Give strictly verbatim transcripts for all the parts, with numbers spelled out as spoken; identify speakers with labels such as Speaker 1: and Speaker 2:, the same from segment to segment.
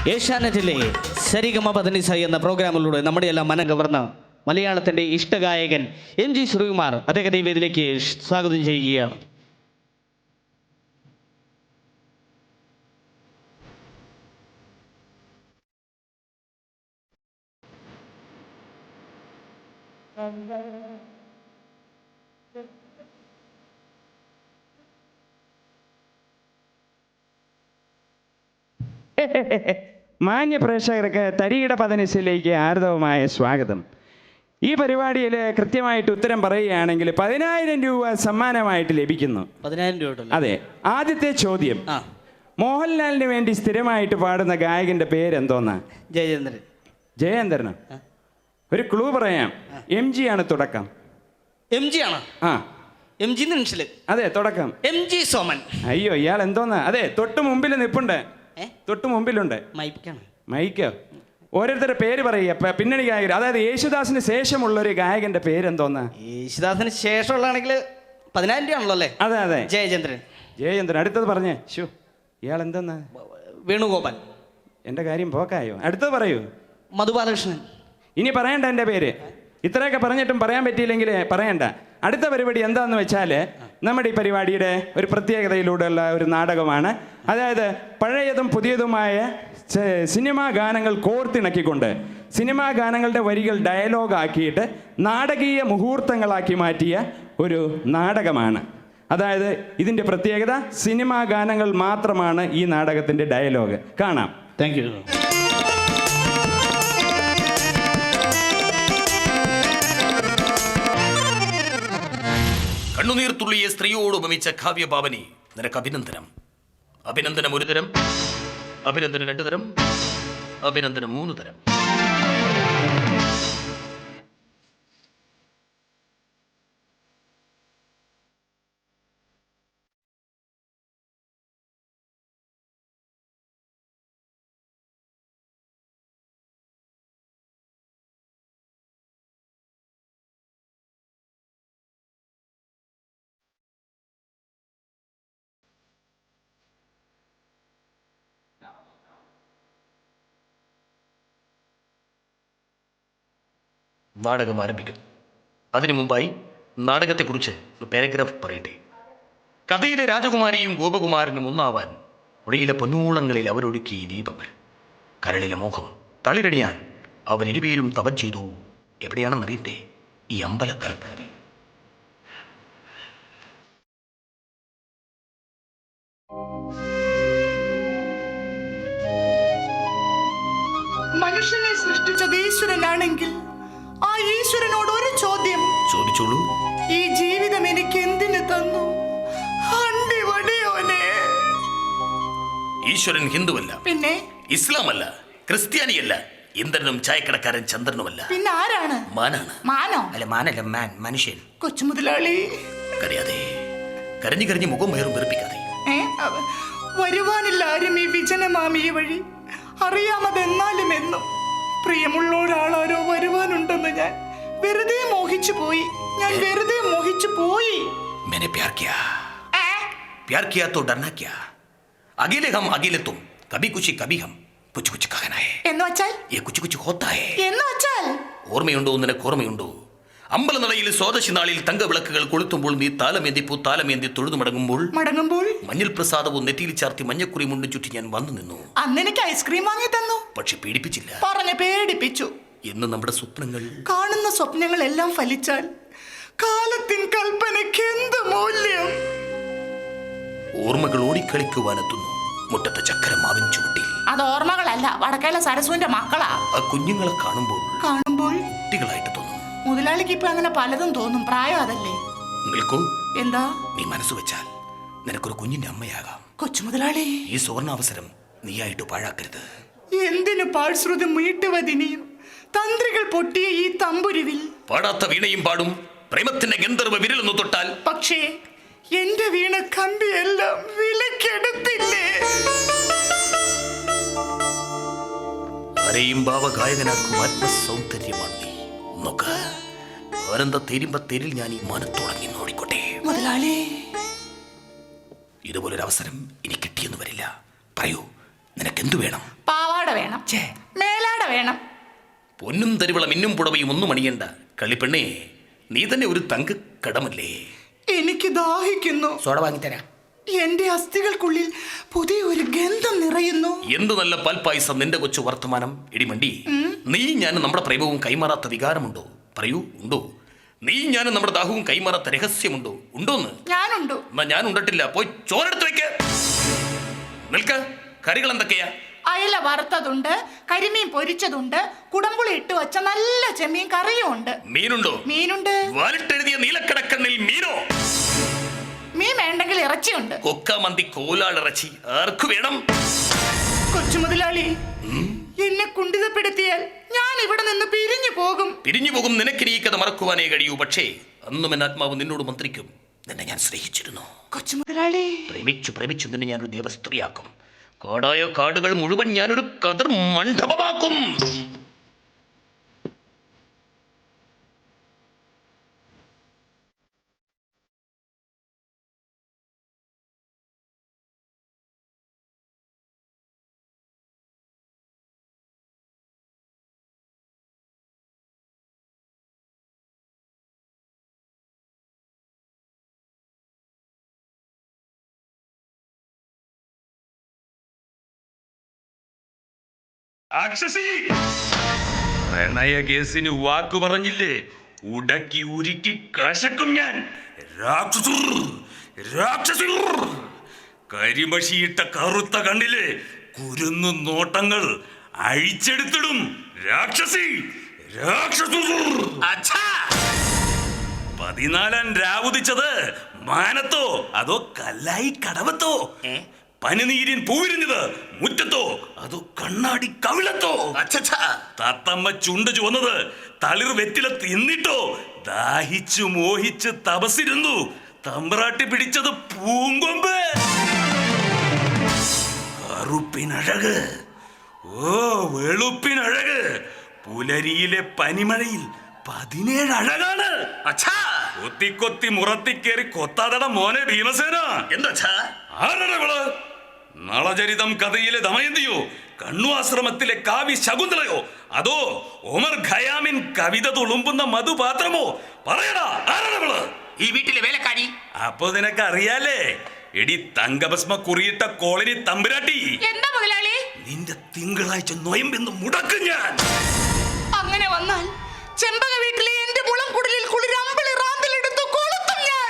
Speaker 1: ഏഷ്യാനെറ്റിലെ സരിഗമ പതനിസ എന്ന പ്രോഗ്രാമിലൂടെ നമ്മുടെ എല്ലാം മനം കവർന്ന മലയാളത്തിൻ്റെ ഇഷ്ടഗായകൻ എം ജി ശ്രീകുമാർ അദ്ദേഹത്തെ ഈ വേദിയിലേക്ക് സ്വാഗതം ചെയ്യുകയാണ്.
Speaker 2: മാന്യ പ്രേക്ഷകർക്ക് തരികിട പതനിസിലേക്ക് ആർദവമായ സ്വാഗതം. ഈ പരിപാടിയിൽ കൃത്യമായിട്ട് ഉത്തരം പറയുകയാണെങ്കിൽ പതിനായിരം രൂപ സമ്മാനമായിട്ട് ലഭിക്കുന്നു.
Speaker 1: പതിനായിരം രൂപ.
Speaker 2: അതെ. ആദ്യത്തെ ചോദ്യം, മോഹൻലാലിന് വേണ്ടി സ്ഥിരമായിട്ട് പാടുന്ന ഗായകന്റെ പേരെന്തോന്നാ?
Speaker 1: ജയചന്ദ്രൻ.
Speaker 2: ജയേന്ദ്രനോ? ഒരു ക്ലൂ പറയാം. എം ജി ആണ് തുടക്കം.
Speaker 1: എം ജി ആണ്?
Speaker 2: ആ,
Speaker 1: എം ജി നിമിഷല്.
Speaker 2: അതെ, തുടക്കം
Speaker 1: എം ജി സോമൻ.
Speaker 2: അയ്യോ, ഇയാൾ എന്തോന്നാ? അതെ, തൊട്ട് മുമ്പിൽ നിപ്പുണ്ട്. തൊട്ട് മുമ്പിലുണ്ട്
Speaker 1: മൈക്കാണ്.
Speaker 2: മൈക്കോ? ഓരോരുത്തരുടെ പേര് പറയുക, പിന്നണി ഗായകർ. അതായത് യേശുദാസിന് ശേഷമുള്ള ഒരു ഗായകന്റെ പേരെന്തോന്നാ?
Speaker 1: യേശുദാസിന് ശേഷമുള്ളതാണെങ്കിൽ പതിനായിരം രൂപ ആണല്ലോ അല്ലേ?
Speaker 2: അതെ അതെ,
Speaker 1: ജയചന്ദ്രൻ.
Speaker 2: ജയചന്ദ്രൻ. അടുത്തത് പറഞ്ഞേ. ഷു, ഇയാൾ എന്തെന്നാ?
Speaker 1: വേണുഗോപാൽ.
Speaker 2: എൻ്റെ കാര്യം പോക്കായോ? അടുത്തത് പറയൂ.
Speaker 1: മധുബാലകൃഷ്ണൻ.
Speaker 2: ഇനി പറയണ്ട എൻ്റെ പേര്. ഇത്രയൊക്കെ പറഞ്ഞിട്ടും പറയാൻ പറ്റിയില്ലെങ്കിൽ പറയണ്ട. അടുത്ത പരിപാടി എന്താണെന്ന് വെച്ചാൽ, നമ്മുടെ ഈ പരിപാടിയുടെ ഒരു പ്രത്യേകതയിലൂടെയുള്ള ഒരു നാടകമാണ്. അതായത് പഴയതും പുതിയതുമായ സിനിമാ ഗാനങ്ങൾ കോർത്തിണക്കിക്കൊണ്ട് സിനിമാ ഗാനങ്ങളുടെ വരികൾ ഡയലോഗ് ആക്കിയിട്ട് നാടകീയ മുഹൂർത്തങ്ങളാക്കി മാറ്റിയ ഒരു നാടകമാണ്. അതായത് ഇതിൻ്റെ പ്രത്യേകത, സിനിമാ ഗാനങ്ങൾ മാത്രമാണ് ഈ നാടകത്തിൻ്റെ ഡയലോഗ്. കാണാം.
Speaker 1: Thank you.
Speaker 3: കണ്ണുനീർ തുള്ളിയെ സ്ത്രീയോട് ഉപമിച്ച കാവ്യഭാവനി, നിനക്ക് അഭിനന്ദനം. അഭിനന്ദനം ഒരു തരം, അഭിനന്ദനം രണ്ടു തരം, അഭിനന്ദനം മൂന്ന് തരം. നാടകം ആരംഭിക്കും. അതിനു മുമ്പായി നാടകത്തെക്കുറിച്ച് ഒരു പാരഗ്രാഫ് പറയട്ടെ. കഥയിലെ രാജകുമാരിയും ഗോപകുമാരനും ഒന്നാവാൻ ഒഴിയിലെ പൊന്നൂളങ്ങളിൽ അവരൊഴുക്കി ദീപങ്ങൾ. കരളിലെ മോഹം തളിരടിയാൻ അവൻ ഇരുപേരും തപം ചെയ്തു. എവിടെയാണെന്നറിയട്ടെ? ഈ അമ്പലക്കൽ.
Speaker 4: മനുഷ്യനെ സൃഷ്ടിച്ചത് ഈശ്വരനാണെങ്കിൽ ആ ഈശ്വരനോട് ഒരു ചോദ്യം
Speaker 3: ചോദിച്ചോളൂ.
Speaker 4: ഈ ജീവിതം എനിക്ക് എന്തിനു തന്നു?
Speaker 3: ഈശ്വരൻ ഹിന്ദുവല്ല,
Speaker 4: പിന്നെ
Speaker 3: ഇസ്ലാമല്ല, ക്രിസ്ത്യാനിയല്ല, ഇന്ദ്രനും ചായക്കടക്കാരൻ ചന്ദ്രനുമല്ല.
Speaker 4: പിന്നെ ആരാണ്?
Speaker 3: മാനാണ്.
Speaker 4: മാനോ?
Speaker 3: അല്ല, മാനല്ല, മാൻ, മനുഷ്യൻ.
Speaker 4: കൊച്ചു മുതലാളി,
Speaker 3: കരയാതെ, കരഞ്ഞു കരഞ്ഞു മുഖം വേറും വെറുപ്പിക്കാതെ.
Speaker 4: വരുവാനില്ല ആരും ഈ വിജനമാമിയെ വഴി. അറിയാമതെന്നാലും എന്നും പ്രിയമുള്ള ഒരാളാരോ വരുവാനുണ്ടെന്ന് ഞാൻ വെറുതെ മോഹിച്ചു പോയി. ഞാൻ വെറുതെ മോഹിച്ചു പോയി.
Speaker 3: मैंने प्यार किया, प्यार किया तो डरना क्या? अकेले हम अकेले तुम, कभी कुछ कभी हम, कुछ कुछ कहना है.
Speaker 4: എന്ന് വെച്ചാൽ
Speaker 3: ये कुछ कुछ होता है.
Speaker 4: എന്ന് വെച്ചാൽ
Speaker 3: ഓർമ്മയുണ്ടോ? നിനക്ക് ഓർമ്മയുണ്ടോ? അമ്പലനടയിൽ സ്വാദശി നാളിൽ തങ്കവിളക്കുകൾ കൊളുത്തുമ്പോൾ നീ താലമേന്തി പൂ താലമേന്തി തൊഴുതു മടങ്ങുമ്പോൾ
Speaker 4: മടങ്ങുമ്പോൾ
Speaker 3: മഞ്ഞൾ പ്രസാദവും നെറ്റിയിൽ ചാർത്തി മഞ്ഞക്കുറി മുണ്ടും ചുറ്റി ഞാൻ വന്നു നിന്നു.
Speaker 4: അന്ന് എനിക്ക് ഐസ്ക്രീം വാങ്ങി തന്നു.
Speaker 3: പക്ഷെ പീഡിപ്പിച്ചില്ല.
Speaker 4: പറഞ്ഞു പേടിപ്പിച്ചു.
Speaker 3: എന്ന് നമ്മുടെ സ്വപ്നങ്ങൾ,
Speaker 4: കാണുന്ന സ്വപ്നങ്ങളെല്ലാം ഫലിച്ചാൽ കാലത്തിൻ കൽപ്പനയ്ക്ക് എന്ത് മൂല്യം?
Speaker 3: ഓർമ്മകൾ ഓടിക്കളിക്കുവാനെത്തുന്നു മുറ്റത്തെ ചക്കരമാവിൻ ചുവട്ടിൽ.
Speaker 4: അത് ഓർമ്മകളല്ല, വടക്കേല സരസുവിന്റെ മക്കളാ.
Speaker 3: ആ കുഞ്ഞുങ്ങളെ കാണുമ്പോൾ
Speaker 4: കാണുമ്പോൾ
Speaker 3: കുട്ടികളായിട്ട് തോന്നും.
Speaker 4: മുതലാളിക്ക് ഇപ്പൊ അങ്ങനെ പലതും തോന്നും. പ്രായം അതല്ലേ.
Speaker 3: നിൽക്കൂ.
Speaker 4: എന്താ?
Speaker 3: നീ മനസ്സ് വെച്ചാൽ നിനക്കൊരു കുഞ്ഞിന്റെ അമ്മയാകാം.
Speaker 4: കൊച്ചു മുതലാളി,
Speaker 3: ഈ സുവർണാവസരം നീയായിട്ട് പാഴാക്കരുത്.
Speaker 4: എന്തിനു പാഴ്ശ്രുതി മീട്ടുവതിനിയും തന്ത്രികൾ പൊട്ടിയ ഈ തമ്പുരുവിൽ
Speaker 3: പാടാത്ത വീണയും പാടും പ്രേമത്തിന്റെ ഗന്ധർവ വിരലൊന്നു തൊട്ടാൽ.
Speaker 4: പക്ഷേ എന്റെ വീണ കമ്പിയെല്ലാം വിലക്കെടുത്തില്ലേ?
Speaker 3: ആരെയും ഭാവഗായകനാക്കും ആത്മസൗന്ദര്യമാണ് നീ. നോക്ക, ആനന്ദ തേരുമ്പ തേരിൽ ഞാൻ ഈ മാനത്തോടങ്ങി നോടിക്കോട്ടെ.
Speaker 4: മുതലാളി,
Speaker 3: ഇതുപോലൊരു അവസരം ഇനി കിട്ടിയെന്ന് വരില്ല. പറയൂ, നിനക്കെന്തു വേണം?
Speaker 4: പാവാട വേണം, മേലാട വേണം.
Speaker 3: പൊന്നും തരിവള മിന്നും പുടവയും ഒന്നും അണിയണ്ട. കളിപ്പെണ്ണേ, നീ തന്നെ ഒരു തങ്ക കടമല്ലേ?
Speaker 4: എനിക്ക് ദാഹിക്കുന്നു.
Speaker 3: സോഡ വാങ്ങിത്തരാം.
Speaker 4: എന്റെ അസ്ഥികൾക്കുള്ളിൽ പുതിയ ഒരു ഗന്ധം നിറയുന്നു.
Speaker 3: എന്ത് നല്ല പാൽപ്പായസം നിന്റെ കൊച്ചു വർത്തമാനം. ഇടിമണ്ടി, നീ ഞാൻ നമ്മുടെ പ്രേമവും കൈമാറാത്ത വികാരമുണ്ടോ? പറയൂ, ഉണ്ടോ? നീ ഞാൻ നമ്മുടെ ദാഹവും കൈമാറാത്ത രഹസ്യമുണ്ടോ? ഉണ്ടോന്ന്?
Speaker 4: ഞാനുണ്ടോ?
Speaker 3: എന്നാ ഞാൻ ഉണ്ടട്ടില്ല. പോയി ചോറെടുത്ത് വെക്ക. നിൽക്ക. കറികൾ എന്തൊക്കെയാ?
Speaker 4: അയല വറുത്തതുണ്ട്, കരിമീൻ പൊരിച്ചതുണ്ട്, കുടമ്പുളി ഇട്ട് വെച്ച നല്ല ചെമ്മീൻ കറിയും ഉണ്ട്.
Speaker 3: മീനുണ്ടോ?
Speaker 4: മീനുണ്ട്.
Speaker 3: വാലിട്ടെഴുതിയ നീലക്കടക്കണ്ണിൽ മീനോ?
Speaker 4: മീൻ വേണ്ടെങ്കിൽ ഇറച്ചിയുണ്ട്.
Speaker 3: കൊക്കാമന്തി, കോലാളിറച്ചി ആർക്കു വേണം?
Speaker 4: കൊച്ചു മുതലാളി, എന്നെ കുണ്ഠിതപ്പെടുത്തിയാൽ ഞാൻ ഇവിടെ നിന്ന് പിരിഞ്ഞു പോകും.
Speaker 3: പിരിഞ്ഞു പോകും. നിനക്ക് ഈ കഥ മറക്കുവാനേ കഴിയൂ. പക്ഷേ അന്നും എൻ ആത്മാവ് നിന്നോട് മന്ത്രിക്കും. നിന്നെ ഞാൻ സ്നേഹിച്ചിരുന്നു.
Speaker 4: കൊച്ചു മുതലാളി,
Speaker 3: പ്രേമിച്ചു പ്രേമിച്ചു നിന്നെ ഞാനൊരു ദേവസ്ത്രീയാക്കും. കാടായ കാടുകൾ മുഴുവൻ ഞാനൊരു കതിർ മണ്ഡപമാക്കും.
Speaker 5: രാക്ഷസി, പ്രണയ കേസിന് വാക്കു പറഞ്ഞില്ലേ? ഉടക്കി ഉരുക്കി കശക്കും ഞാൻ. രാക്ഷസർ, രാക്ഷസർ, കരിമഷിയിട്ട കറുത്ത കണ്ണിലെ കുരുന്നു നോട്ടങ്ങൾ അഴിച്ചെടുത്തിടും. രാക്ഷസി, രാക്ഷസർ.
Speaker 3: അച്ഛാ,
Speaker 5: പതിനാലാം രാവുദിച്ചത് മാനത്തോ അതോ കല്ലായി കടവത്തോ? പനിനീരിൻ പൂവിരിഞ്ഞത് മുറ്റത്തോ അതോ കണ്ണാടി കവിളത്തോ?
Speaker 3: അച്ഛാ,
Speaker 5: തത്തമ്മ ചുണ്ട് ചുവന്നത് തളിർ വെറ്റില തിന്നിട്ടോ? ദാഹിച്ചു മോഹിച്ച് തപസിരുന്നു തമ്പ്രാട്ടി പിടിച്ചത് പൂങ്കൊമ്പ്. കറുപ്പിനഴക്, ഓ വെളുപ്പിനഴക്. പുലരിയിലെ പനിമഴയിൽ പതിനേഴ് അഴകാണ്.
Speaker 3: അച്ഛാ,
Speaker 5: കൊത്തി കൊത്തി മുറത്തിക്കേറി കൊത്താതട മോനെ ഭീമസേന.
Speaker 3: എന്താ?
Speaker 5: ആരടവള്? നളചരിതം കഥയിലെ ദമയന്തിയോ? കണ്ണു ആശ്രമത്തിലെ കാവ്യ ശകുന്തളയോ? അതോ ഒമർ ഖയാമിൻ കവിത തുളുമ്പുന്ന മധുപാത്രമോ? പറയടാ, ആരടവള്?
Speaker 3: ഈ വീട്ടിലെ വേലക്കാരി.
Speaker 5: അപ്പൊ നിനക്ക് അറിയാലേ? എടി തങ്കഭസ്മ കുറിയിട്ട കോളനി തമ്പുരാട്ടി.
Speaker 4: എന്താ മുതലാളി?
Speaker 5: നിന്റെ തിങ്കളാഴ്ച നൊയമ്പെന്ന് മുടക്കും ഞാൻ.
Speaker 4: അങ്ങനെ വന്നാൽ ചെമ്പക വീട്ടിലെ എന്റെ മുളം കുടലിൽ കുളിരമ്പിളി റാന്തലെടുത്തു കൊളുത്തും ഞാൻ.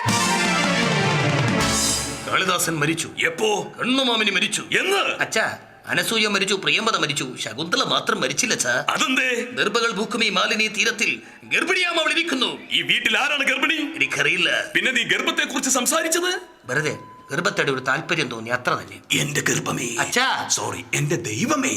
Speaker 3: കാളിദാസൻ മരിച്ചു.
Speaker 5: എപ്പോ?
Speaker 3: കണ്ണുമാമിനി മരിച്ചു.
Speaker 5: എന്ന്?
Speaker 3: അച്ഛാ, അനസൂയ മരിച്ചു, പ്രിയംവദ മരിച്ചു, ശകുന്തള മാത്രം മരിച്ചില്ല. അച്ഛാ,
Speaker 5: അതെന്തേ?
Speaker 3: ഗർഭകൾ ഭൂക്കുമി മാലിനി തീരത്തിൽ ഗർഭിണിയാം അവൾ ഇരിക്കുന്നു.
Speaker 5: ഈ വീട്ടിൽ ആരാണ് ഗർഭിണി?
Speaker 3: എനിക്കറിയില്ല.
Speaker 5: പിന്നെ നീ ഗർഭത്തെ കുറിച്ച് സംസാരിച്ചത്?
Speaker 3: വെറുതെ ഗർഭത്തോടെ ഒരു താല്പര്യം തോന്നി, അത്ര തന്നെ.
Speaker 5: എന്റെ ഗർഭമേ.
Speaker 3: അച്ഛാ,
Speaker 5: സോറി, എന്റെ ദൈവമേ.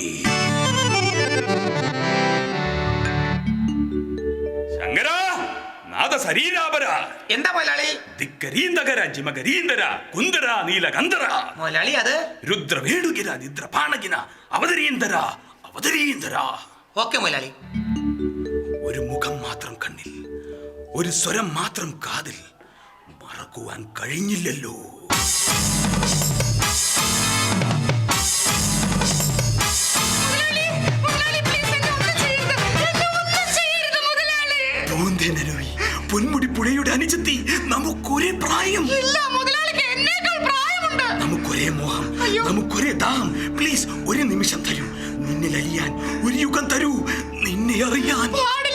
Speaker 5: ശങ്കര, നാദ ശരീരാപര.
Speaker 3: എന്താ മുതലാളി?
Speaker 5: ദിക്കരീന്തകര ജിമകരീന്തര കുന്ദര നീലകന്ധര
Speaker 3: മുതലാളി, അത്
Speaker 5: രുദ്രവേണുകിര നിദ്രപാണകിന അവതരീന്തര അവതരീന്തര.
Speaker 3: ഓക്കെ മുതലാളി.
Speaker 5: ഒരു മുഖം മാത്രം കണ്ണിൽ, ഒരു സ്വരം മാത്രം കാതിൽ, മറക്കുവാൻ കഴിഞ്ഞില്ലല്ലോ. പൊന്മുടി പുഴയുടെ അനുജത്തി, നമുക്കൊരേ പ്രായം. നമുക്കൊരേ മോഹം, നമുക്കൊരേ ദാഹം. പ്ലീസ് ഒരു നിമിഷം തരൂ. നിന്നിൽ അലിയാൻ ഒരു യുഗം തരൂ. നിന്നെ അറിയാൻ.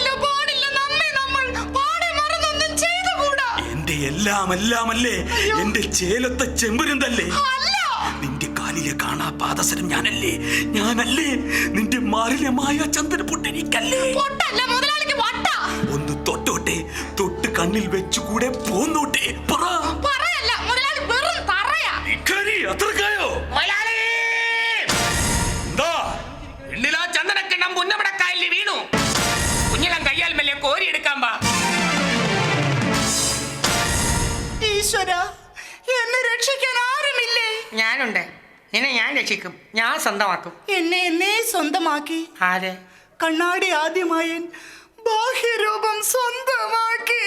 Speaker 5: എന്റെ എല്ലാം എല്ലാമല്ലേ? എന്റെ ചേലത്തെ ചെമ്പുരുന്തല്ലേ? നിന്റെ കാലിലെ കാണാ പാദസരം ഞാനല്ലേ? ഞാനല്ലേ? നിന്റെ മാറിലെ മായ ചന്ദന പൊട്ടെനിക്കല്ലേ? ഒന്ന് തൊട്ടോട്ടെ, തൊട്ട് കണ്ണിൽ വെച്ചുകൂടെ പോന്നോട്ടെ. അത്രക്കായോ? എന്താ?
Speaker 3: എണ്ണിലാ ചന്ദനക്കിണ്ണം പുന്നമടക്കായലിൽ വീണു. കുഞ്ഞിളം കയ്യാൽ മെല്ലെ കോരിയെടുക്കാൻ പാ.
Speaker 4: ഈശ്വര, എന്നെ രക്ഷിക്കാൻ ആരുമില്ലേ?
Speaker 6: ഞാനുണ്ട്. നിന്നെ ഞാൻ രക്ഷിക്കും. ഞാൻ സ്വന്തമാക്കും.
Speaker 4: എന്നെ എന്നെ സ്വന്തമാക്കി.
Speaker 6: ആര്?
Speaker 4: കണ്ണാടി ആദ്യമായി ബാഹ്യരൂപം സ്വന്തമാക്കി.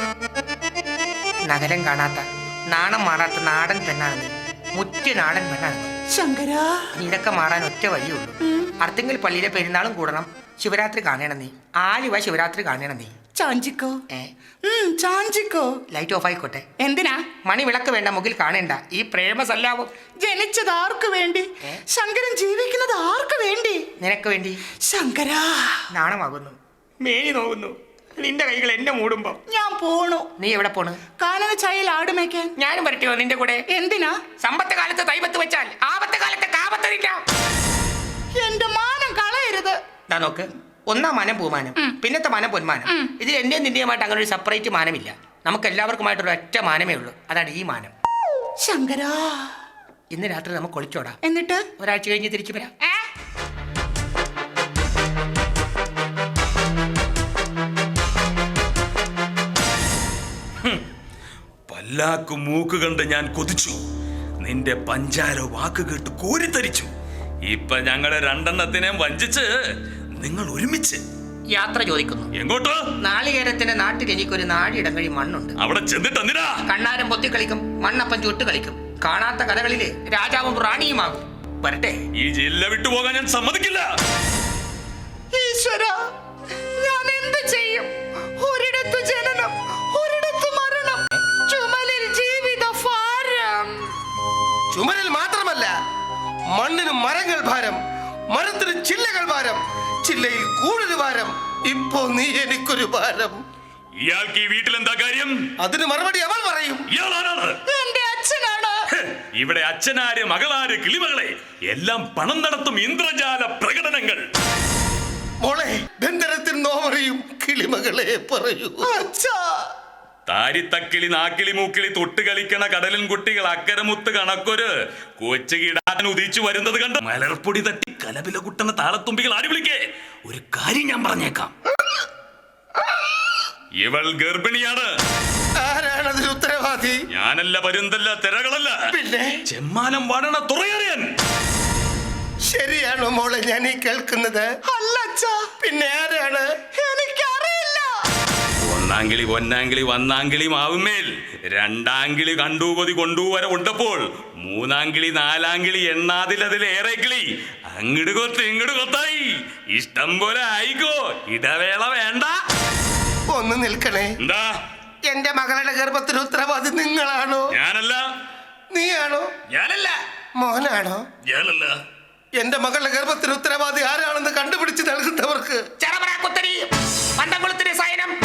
Speaker 6: നഗരം കാണാത്ത, നാണം മാറാത്ത നാടൻ പെണ്ണാണ് നീ. മുറ്റ നാടൻ പെണ്ണാണ് നീ.
Speaker 4: ശങ്കര,
Speaker 6: ഇതൊക്കെ മാറാൻ ഒറ്റ വഴിയുള്ളൂ. അർത്തിങ്കൽ പള്ളിയിലെ പെരുന്നാളും കൂടണം. ശിവരാത്രി കാണണം നീ. ആലുവ ശിവരാത്രി കാണണം നീ.
Speaker 4: ചാഞ്ചിക്കോ
Speaker 6: ഏ
Speaker 4: ഉം, ചാഞ്ചിക്കോ.
Speaker 6: ലൈറ്റ് ഓഫ് ആയിക്കോട്ടെ.
Speaker 4: എന്തിനാ?
Speaker 6: മണി വിളക്ക് വേണ്ട, മുകിൽ കാണേണ്ട. ഈ പ്രേമസല്ലാപം
Speaker 4: ജനിച്ചത് ആർക്ക് വേണ്ടി?
Speaker 6: ഏ?
Speaker 4: ശങ്കരൻ ജീവിക്കുന്നത് ആർക്ക് വേണ്ടി?
Speaker 6: നിനക്ക് വേണ്ടി.
Speaker 4: ശങ്കരാ,
Speaker 6: നാണമാകുന്നു, മേനി നോകുന്നു നിന്റെ കൈകൾ എന്നെ മൂടുമ്പോ.
Speaker 4: ഞാൻ പോണു.
Speaker 6: നീ എവിടെ പോണ്?
Speaker 4: കാനന ചായയിൽ ആടുമേക്കാൻ.
Speaker 6: ഞാനും വരട്ടെയോ നിന്റെ കൂടെ?
Speaker 4: എന്തിനാ?
Speaker 6: സമ്പത്ത് കാലത്ത് തൈപത്ത് വെച്ചാൽ ആപത്ത് കാലത്ത് കാപത്തരിക്കാം.
Speaker 4: എന്റെ മാനം കളയരുത്.
Speaker 6: ദാ നോക്ക്, ഒന്നാം മാനം പൂമാനം, പിന്നത്തെ മാനം പൊന്മാനം. ഇതിൽ എന്റെയും നിന്റെയുമായിട്ട് അങ്ങനെ ഒരു സെപ്പറേറ്റ് മാനമില്ല. നമുക്ക് എല്ലാവർക്കുമായിട്ടൊരു ഒറ്റ മാനമേ ഉള്ളൂ. അതാണ് ഈ മാനം.
Speaker 4: ശങ്കരാ,
Speaker 6: ഇന്ന് രാത്രി നമുക്ക് ഒളിച്ചോടാം.
Speaker 4: എന്നിട്ട്
Speaker 6: ഒരാഴ്ച കഴിഞ്ഞ് തിരിച്ചു വരാം.
Speaker 4: ഏ?
Speaker 5: പല്ലാക്കു മൂക്ക് കണ്ട് ഞാൻ കൊതിച്ചു. നിന്റെ പഞ്ചാര വാക്ക് കേട്ട് കോരിത്തരിച്ചു. ഇപ്പൊ ഞങ്ങളെ രണ്ടെണ്ണത്തിനെയും വഞ്ചിച്ച് നിങ്ങൾ ഒരുമിച്ച്
Speaker 6: യാത്ര ചോദിക്കുന്നു.
Speaker 5: എങ്ങോട്ട്?
Speaker 6: നാളികേരത്തിന്റെ നാട്ടിൽ എനിക്കൊരു നാടിയിടം കഴി മണ്ണുണ്ട്.
Speaker 5: അവിടെ ചെന്നിട്ട് എന്തിനാ?
Speaker 6: കണ്ണാരം പൊത്തി കളിക്കും, മണ്ണപ്പം ചുട്ട് കളിക്കും. കാണാത്ത കഥകളില് രാജാവും റാണിയുമാകും. വരട്ടെ.
Speaker 5: ഈ ജില്ല വിട്ടുപോകാൻ ഞാൻ സമ്മതിക്കില്ല.
Speaker 4: ഈശ്വര, ഞാൻ എന്ത് ചെയ്യും? ഒരിടത്തു ജനനം, ഒരിടത്തു മരണം, ചുമലിൽ ജീവിത ഭാരം.
Speaker 7: ചുമരിൽ മാത്രമല്ല, മണ്ണിന് മരങ്ങൾ ഭാരം, മരത്തിന് ചില്ലകൾ ഭാരം, ചില്ലയിൽ കൂടുതൽ ഭാരം. ഇപ്പോ നീ എനിക്കൊരു ഭാരം.
Speaker 5: ഇയാൾക്ക് ഈ വീട്ടിൽ എന്താ കാര്യം?
Speaker 7: അതിന് മറുപടി അവൾ പറയും.
Speaker 5: ഇയാളാരാണ്?
Speaker 4: എന്റെ അച്ഛനാണ്.
Speaker 5: ഹെ, ഇവിടെ അച്ഛനാര് മകളാര് കിളിമകളെ എല്ലാം പണം നടത്തും ഇന്ദ്രജാല പ്രകടനങ്ങൾ.
Speaker 7: മോളെ, ബന്ധനത്തിൽ നോവറിയും കിളിമകളെ പറയൂ.
Speaker 4: അച്ഛാ,
Speaker 5: താരിത്തക്കിളി നാക്കിളി മൂക്കിളി തൊട്ട് കളിക്കണ കടലിൻ കുട്ടികൾ അക്കരമുത്ത് കണക്കൊരു കൊച്ചു കിടാൻ ഉദിച്ചു വരുന്നത് കണ്ട് മലർപ്പൊടി തട്ടി കലപില കുട്ടണ താളത്തുമ്പികൾ ആടി വിളിക്കേ. ഒരു കാര്യം ഞാൻ പറഞ്ഞേക്കാം, ഇവൾ ഗർഭിണിയാണ്.
Speaker 7: ആരാണതിന് ഉത്തരവാദി?
Speaker 5: ഞാനല്ല, പരുന്തല്ല, തിരകളല്ല,
Speaker 7: പിന്നെ
Speaker 5: ചെമ്മാനം വാടണ തുറയറിയാൻ.
Speaker 7: ശരിയാണോ മോളെ ഞാൻ ഈ കേൾക്കുന്നത്?
Speaker 4: അല്ല അച്ഛാ.
Speaker 7: പിന്നെ ആരാണ്?
Speaker 4: എനിക്കറിയില്ല.
Speaker 5: ഒന്നാങ്കിളി പൊന്നാങ്കിളി വന്നാങ്കിളി മാവുമേൽ രണ്ടാങ്കിളി കണ്ടൂകൊതി കൊണ്ടുവരെ ഉണ്ടപ്പോൾ മൂന്നാങ്കിളി നാലാങ്കിളി എണ്ണാതിലതിലേറെ കിളി അങ്ങട് കൊത്ത് ഇങ്ങട് കൊത്തായി ഇഷ്ടം പോലെ ആയിക്കോ. ഇടവേള വേണ്ട.
Speaker 7: ഒന്ന് നിൽക്കണേ.
Speaker 5: എന്താ?
Speaker 7: എന്റെ മകളുടെ ഗർഭത്തിന് ഉത്തരവാദി നിങ്ങളാണോ?
Speaker 5: ഞാനല്ല.
Speaker 7: നീയാണോ?
Speaker 5: ഞാനല്ല.
Speaker 7: മോനാണോ?
Speaker 5: ഞാനല്ല.
Speaker 7: എന്റെ മകളുടെ ഗർഭത്തിന് ഉത്തരവാദി ആരാണെന്ന് കണ്ടുപിടിച്ച് നൽകുന്നവർക്ക്
Speaker 6: ചെറപറ കുത്തരി പന്തംകുളത്തിന് സൈനം